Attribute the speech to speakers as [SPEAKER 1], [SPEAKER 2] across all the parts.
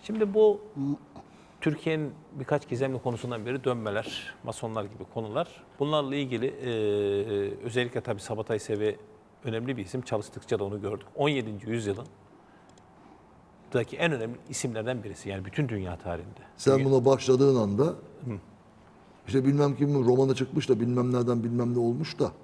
[SPEAKER 1] Şimdi bu Türkiye'nin birkaç gizemli konusundan biri dönmeler, masonlar gibi konular. Bunlarla ilgili özellikle tabii Sabatay Sevi önemli bir isim. Çalıştıkça da onu gördük. 17. yüzyılın en önemli isimlerden birisi. Yani bütün dünya tarihinde.
[SPEAKER 2] Sen buna başladığın anda işte bilmem kim romanı çıkmış da bilmem nereden bilmem ne olmuş da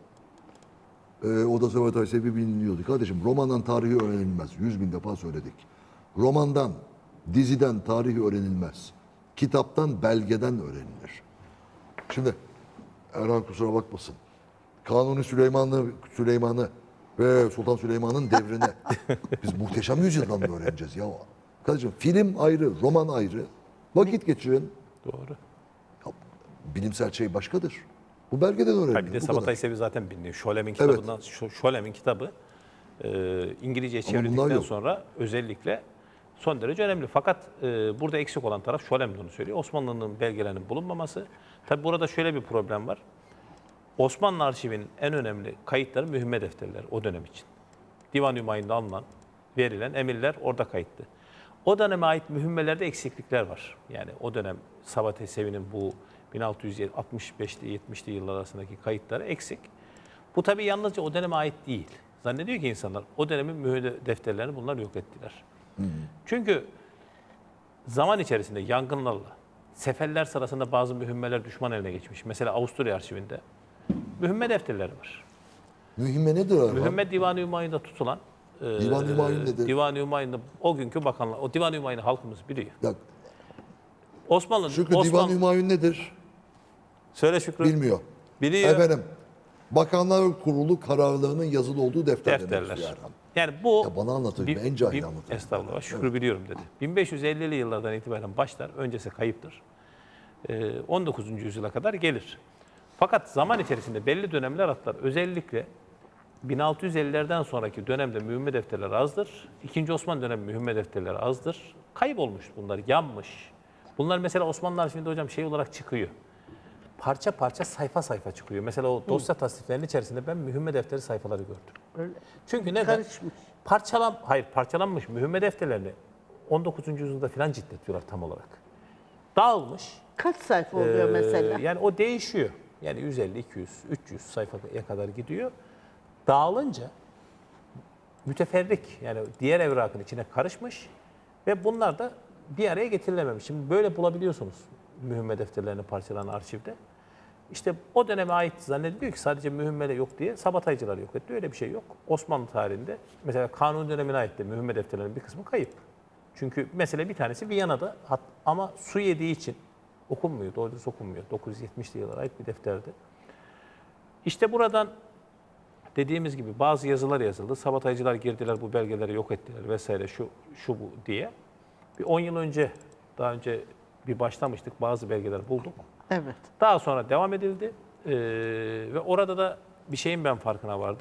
[SPEAKER 2] o da Sabatay Sevi biliniyordu. Kardeşim romandan tarihi öğrenilmez. 100.000 defa söyledik. Romandan, diziden tarihi öğrenilmez. Kitaptan, belgeden öğrenilir. Şimdi Erhan kusura bakmasın. Kanuni Süleyman'ı ve Sultan Süleyman'ın devrine biz muhteşem yüzyıldan mı öğreneceğiz ya? Kardeşim film ayrı, roman ayrı. Vakit geçirin.
[SPEAKER 1] Doğru.
[SPEAKER 2] Ya, bilimsel şey başkadır. Bu belgeden öğrenilir.
[SPEAKER 1] Bir de
[SPEAKER 2] bu
[SPEAKER 1] Sabatay
[SPEAKER 2] kadar.
[SPEAKER 1] Sevi zaten biliniyor. Scholem'in
[SPEAKER 2] Evet.
[SPEAKER 1] kitabından, Scholem'in kitabı İngilizce'ye
[SPEAKER 2] Ama bunlar
[SPEAKER 1] çevirdikten
[SPEAKER 2] yok.
[SPEAKER 1] sonra özellikle son derece önemli. Fakat burada eksik olan taraf Scholem de onu söylüyor. Osmanlı'nın belgelerinin bulunmaması. Tabi burada şöyle bir problem var. Osmanlı arşivinin en önemli kayıtları mühimme defterleri o dönem için. Divan-ı Hümayun'da alınan, verilen emirler orada kayıtlı. O döneme ait mühimmelerde eksiklikler var. Yani o dönem Sabatay Sevi'nin bu 1665'li 70'li yıllar arasındaki kayıtları eksik. Bu tabii yalnızca o döneme ait değil. Zannediyor ki insanlar o dönemin mühim defterlerini bunlar yok ettiler. Çünkü zaman içerisinde yangınlarla, seferler sırasında bazı mühimmeler düşman eline geçmiş. Mesela Avusturya arşivinde mühimme defterleri var.
[SPEAKER 2] Mühimme nedir Erhan?
[SPEAKER 1] Mühimme Divan-ı Hümayun'da tutulan,
[SPEAKER 2] Divan-ı Hümayun nedir?
[SPEAKER 1] Divan-ı Hümayun'da o günkü bakanlar, o Divan-ı Hümayun'u halkımız biliyor.
[SPEAKER 2] Ya,
[SPEAKER 1] Osmanlı,
[SPEAKER 2] Şükrü Divan-ı Hümayun nedir?
[SPEAKER 1] Söyle Şükrü.
[SPEAKER 2] Bilmiyor.
[SPEAKER 1] Biliyor.
[SPEAKER 2] Efendim, Bakanlar Kurulu kararlarının yazılı olduğu defterler.
[SPEAKER 1] Defterler. Yani bu
[SPEAKER 2] Ya bana anlatın, en cahil anlatın.
[SPEAKER 1] Estağfurullah, Şükrü biliyorum dedi. 1550'li yıllardan itibaren başlar, öncesi kayıptır. 19. yüzyıla kadar gelir. Fakat zaman içerisinde belli dönemler atlar. Özellikle 1650'lerden sonraki dönemde mühimme defterleri azdır. İkinci Osmanlı dönemi mühimme defterleri azdır. Kaybolmuş bunlar, yanmış. Bunlar mesela Osmanlı arşivinde hocam şey olarak çıkıyor. Parça parça sayfa sayfa çıkıyor. Mesela o dosya tasniflerinin içerisinde ben mühimme defteri sayfaları gördüm.
[SPEAKER 3] Öyle.
[SPEAKER 1] Çünkü neden?
[SPEAKER 3] Karışmış.
[SPEAKER 1] Parçalanmış mühimme defterlerini 19. yüzyılda filan ciddetiyorlar tam olarak. Dağılmış.
[SPEAKER 3] Kaç sayfa oluyor mesela?
[SPEAKER 1] Yani o değişiyor. Yani 150, 200, 300 sayfaya kadar gidiyor. Dağılınca müteferrik yani diğer evrakın içine karışmış ve bunlar da bir araya getirilememiş. Şimdi böyle bulabiliyorsunuz mühimme defterlerini parçalanan arşivde. İşte o döneme ait zannediliyor ki sadece mühimmede yok diye sabataycılar yok etti. Öyle bir şey yok. Osmanlı tarihinde mesela Kanuni dönemine ait de mühimme defterlerinin bir kısmı kayıp. Çünkü mesela bir tanesi Viyana'da ama su yediği için okunmuyor, doğru düz okunmuyor. 970'li yıllara ait bir defterdi. İşte buradan dediğimiz gibi bazı yazılar yazıldı. Sabataycılar girdiler, bu belgeleri yok ettiler vesaire şu bu diye. Bir 10 yıl önce, daha önce bir başlamıştık, bazı belgeler bulduk.
[SPEAKER 3] Evet.
[SPEAKER 1] Daha sonra devam edildi ve orada da bir şeyin ben farkına vardım.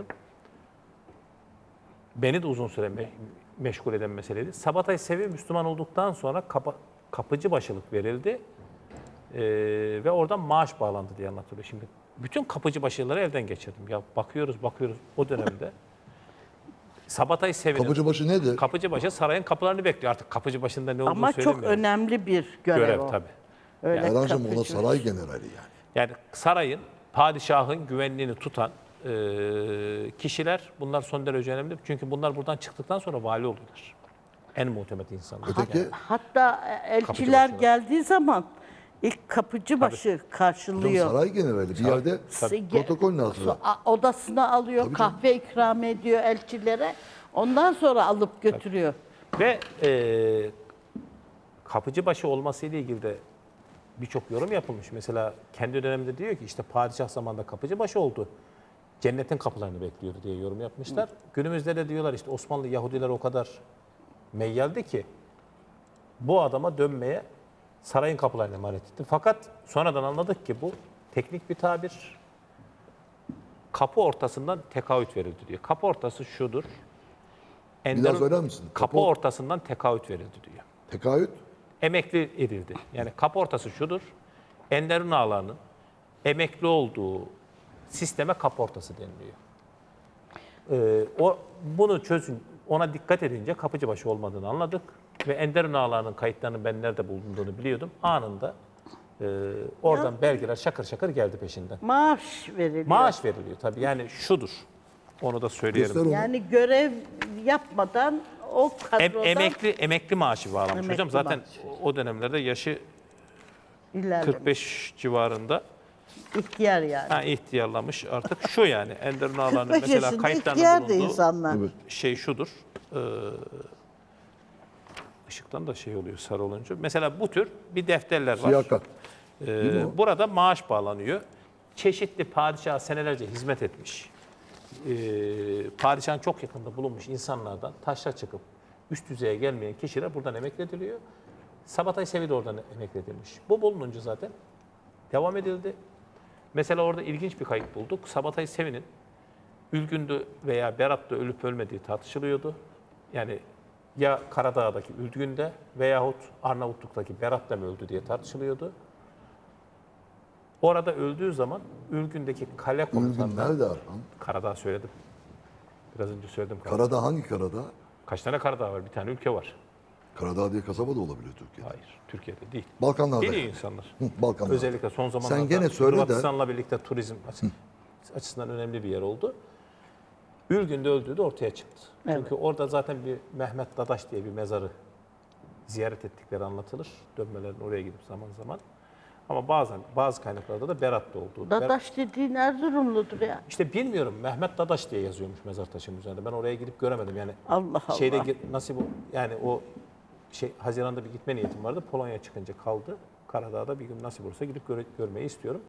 [SPEAKER 1] Beni de uzun süre meşgul eden meseleydi. Sabatay Sevi Müslüman olduktan sonra kapıcı başılık verildi ve oradan maaş bağlandı diye anlatılıyor. Şimdi bütün kapıcı başlıkları elden geçirdim. Ya bakıyoruz o dönemde. Sabatay Sevi'nin
[SPEAKER 2] Kapıcıbaşı nedir?
[SPEAKER 1] Kapıcıbaşı sarayın kapılarını bekliyor. Artık kapıcı başında ne olduğunu
[SPEAKER 3] Ama çok
[SPEAKER 1] söylemiyorum.
[SPEAKER 3] önemli bir görev o.
[SPEAKER 1] tabii.
[SPEAKER 3] Öyle
[SPEAKER 2] Erhan'cığım ona
[SPEAKER 3] kapıcı.
[SPEAKER 2] saray generali yani.
[SPEAKER 1] Yani sarayın, padişahın güvenliğini tutan kişiler bunlar son derece önemli. Çünkü bunlar buradan çıktıktan sonra vali oluyorlar. En muhtemet insanlar.
[SPEAKER 2] Öteki
[SPEAKER 3] Hatta elçiler
[SPEAKER 1] Kapıcıbaşılar.
[SPEAKER 3] geldiği zaman ilk kapıcıbaşı karşılıyor.
[SPEAKER 2] saray generali bir yerde protokol lazım.
[SPEAKER 3] Odasına alıyor,
[SPEAKER 2] Tabii
[SPEAKER 3] kahve ikram ediyor elçilere. Ondan sonra alıp götürüyor.
[SPEAKER 1] Ve kapıcıbaşı olmasıyla ilgili de birçok yorum yapılmış. Mesela kendi döneminde diyor ki işte padişah zamanında kapıcıbaşı oldu. Cennetin kapılarını bekliyordu diye yorum yapmışlar. Günümüzde de diyorlar işte Osmanlı Yahudiler o kadar meyyaldi ki bu adama dönmeye sarayın kapılarını emanet etti. Fakat sonradan anladık ki bu teknik bir tabir. Kapı ortasından tekaüt verildi diyor. Kapı ortası şudur.
[SPEAKER 2] Bir daha söyler misin?
[SPEAKER 1] Kapı ortasından tekaüt verildi diyor.
[SPEAKER 2] Tekaüt.
[SPEAKER 1] Emekli edildi. Yani kapı ortası şudur. Enderun ağalarının emekli olduğu sisteme kapı ortası deniliyor. Bunu çözün, ona dikkat edince kapıcıbaşı olmadığını anladık. ve Enderun Ağaları'nın kayıtlarının ben nerede bulunduğunu biliyordum. Anında oradan belgeler şakır şakır geldi peşinden.
[SPEAKER 3] Maaş veriliyor.
[SPEAKER 1] Maaş veriliyor tabii. Yani şudur. Onu da söyleyelim.
[SPEAKER 2] Göster onu.
[SPEAKER 3] Yani görev yapmadan o kadrodan
[SPEAKER 1] Emekli maaşı bağlamış
[SPEAKER 3] Emekli
[SPEAKER 1] hocam. Zaten
[SPEAKER 3] maaşı.
[SPEAKER 1] o dönemlerde yaşı
[SPEAKER 3] ilerlemiş.
[SPEAKER 1] 45 civarında.
[SPEAKER 3] İhtiyar yani.
[SPEAKER 1] Ha, ihtiyarlamış artık. Şu yani Enderun Ağaları'nın
[SPEAKER 3] 45
[SPEAKER 1] mesela
[SPEAKER 3] yaşında
[SPEAKER 1] kayıtlarında
[SPEAKER 3] ihtiyar da
[SPEAKER 1] bulunduğu
[SPEAKER 3] insanlar.
[SPEAKER 2] Evet.
[SPEAKER 1] şey şudur. Işıktan da şey oluyor sarı olunca. Mesela bu tür bir defterler var.
[SPEAKER 2] Siyah kat. mi o?
[SPEAKER 1] Burada maaş bağlanıyor. Çeşitli padişaha senelerce hizmet etmiş. Padişahın çok yakında bulunmuş insanlardan taşla çıkıp üst düzeye gelmeyen kişiler buradan emeklediliyor. Sabatay Sevi de oradan emekledilmiş. Bu bulununca zaten devam edildi. Mesela orada ilginç bir kayıt bulduk. Sabatay Sevi'nin Ülgün'de veya Berat'ta ölüp ölmediği tartışılıyordu. Yani ya Karadağ'daki Ülgün'de veyahut Arnavutluk'taki Berat'ta mı öldü diye tartışılıyordu. Orada öldüğü zaman Ülgün'deki kale
[SPEAKER 2] Ülgün
[SPEAKER 1] komutanları...
[SPEAKER 2] nerede Erhan?
[SPEAKER 1] Karadağ söyledim. Biraz önce söyledim.
[SPEAKER 2] Karadağ hangi Karadağ?
[SPEAKER 1] Kaç tane Karadağ var? Bir tane ülke var.
[SPEAKER 2] Karadağ diye kasaba da olabilir Türkiye'de.
[SPEAKER 1] Hayır, Türkiye'de değil.
[SPEAKER 2] Balkanlarda.
[SPEAKER 1] Biliyor insanlar.
[SPEAKER 2] Balkanlarda.
[SPEAKER 1] Özellikle son zamanlarda
[SPEAKER 2] gene söyle de-
[SPEAKER 1] Hırvatistan'la birlikte turizm açısından önemli bir yer oldu. Ürgün'de öldüğü de ortaya çıktı. Çünkü orada zaten bir Mehmet Dadaş diye bir mezarı ziyaret ettikleri anlatılır. Dönmelerin oraya gidip zaman zaman. Ama bazı kaynaklarda da Berat'ta olduğu.
[SPEAKER 3] Dadaş dediğin Erzurumludur ya.
[SPEAKER 1] İşte bilmiyorum Mehmet Dadaş diye yazıyormuş mezar taşının üzerinde. Ben oraya gidip göremedim yani.
[SPEAKER 3] Allah Allah.
[SPEAKER 1] Nasip yani o Haziran'da bir gitme niyetim vardı. Polonya çıkınca kaldı. Karadağ'da bir gün nasip olursa gidip görmeyi istiyorum.